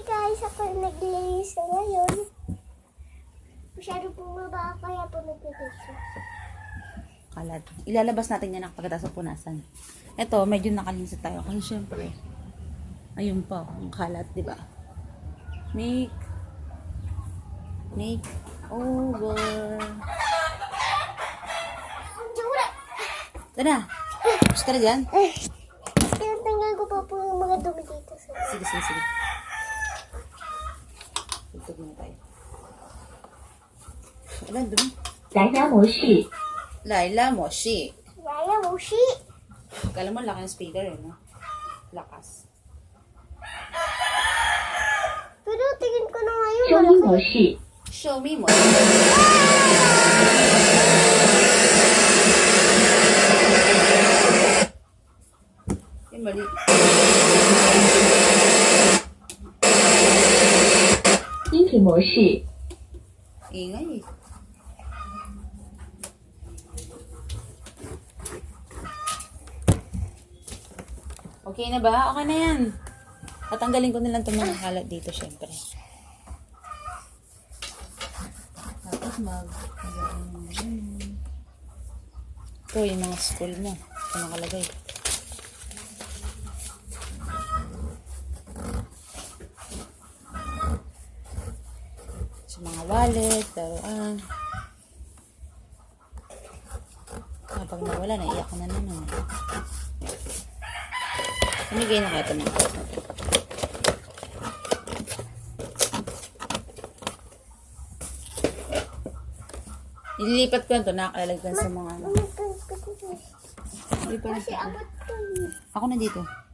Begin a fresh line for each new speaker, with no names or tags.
guys, ako naglinis na ngayon. Masyado bumaba kaya po nagpipicture.
Kalat. Ilalabas natin yan pagkatapos punasan. Ito, medyo nakalinis tayo. Kasi syempre, ayun pa, ang kalat, di ba? Make over.
Jura!
Tara, gusto ka na dyan?
Tinatanggal ko pa po yung mga dumi dito.
Sige, sige, sige. Tutog na tayo. Wala, dumi.
蓝牙模式，
Laila Moshi.
Yaya Moshi!
Kala mo, laki ng speaker, eh, no? Lakas.
Pero tingin ko na ngayon,
声音模式，
Show me mo. Yung mali.
音频模式，
Ingay eh. Okay na ba? Okay na yan. Tatanggalin ko na lang itong mga kalat dito, syempre. Tapos ito yung mga school mo. Ito nakalagay. Sa mga wallet, laruan. Kapag nawala, naiyak na naman. Namigay na kaya ito ng clothes na ito. Ililipat ko ito, nakakalagyan sa mga ano. Hindi pa
Kasi abot ko.
Ako na dito.